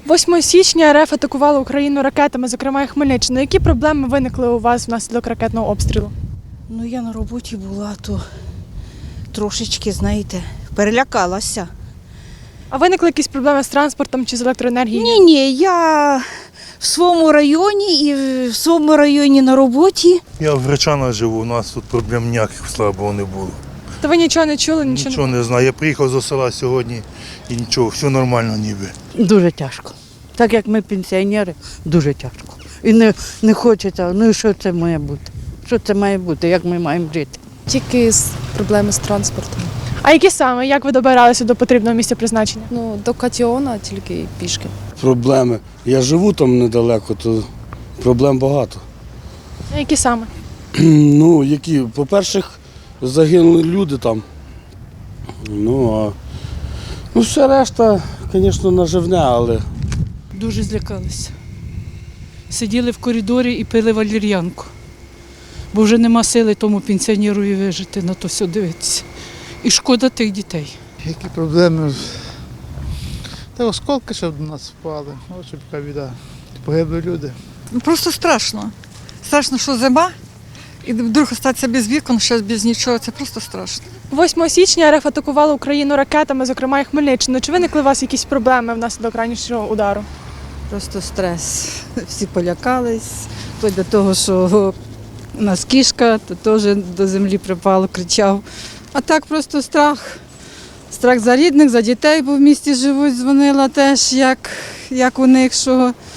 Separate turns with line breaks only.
8 січня РФ атакувала Україну ракетами, зокрема і Хмельниччину. Які проблеми виникли у вас внаслідок ракетного обстрілу?
Ну, я на роботі була, то трошечки, знаєте, перелякалася.
А виникли якісь проблеми з транспортом чи з електроенергією?
Ні, я в своєму районі і в своєму районі на роботі.
Я в Гречанах живу, у нас тут проблем ніяких, слава Богу, не було.
То ви нічого не чули,
Нічого не знаю. Я приїхав з села сьогодні і нічого, все нормально ніби.
Дуже тяжко. Так як ми пенсіонери, дуже тяжко. І не хочеться, ну і що це має бути? Що це має бути, як ми маємо жити?
Тільки проблеми з транспортом.
А які саме? Як ви добиралися до потрібного місця призначення?
Ну, до Катіона тільки пішки.
Проблеми. Я живу там недалеко, то проблем багато.
А які саме?
Ну, які, по-перше, загинули люди там. Ну, все решта, звісно, наживне, але
Дуже злякалися. Сиділи в коридорі і пили валір'янку. Бо вже нема сили тому пенсіонерові вижити, на то все дивитися. І шкода тих дітей.
Які проблеми? Та осколки ще до нас впали. Ось яка біда. Погибли люди.
Просто страшно. Страшно, що зима, і вдруг остатися без вікон, ще без нічого. Це просто страшно.
8 січня РФ атакувала Україну ракетами, зокрема і Хмельниччину. Чи виникли у вас якісь проблеми внаслідок ранішнього удару?
Просто стрес. Всі полякались, то до того, що у нас кішка, то теж до землі припало, кричав. А так просто страх. Страх за рідних, за дітей, бо в місті живуть, дзвонила теж, як у них, що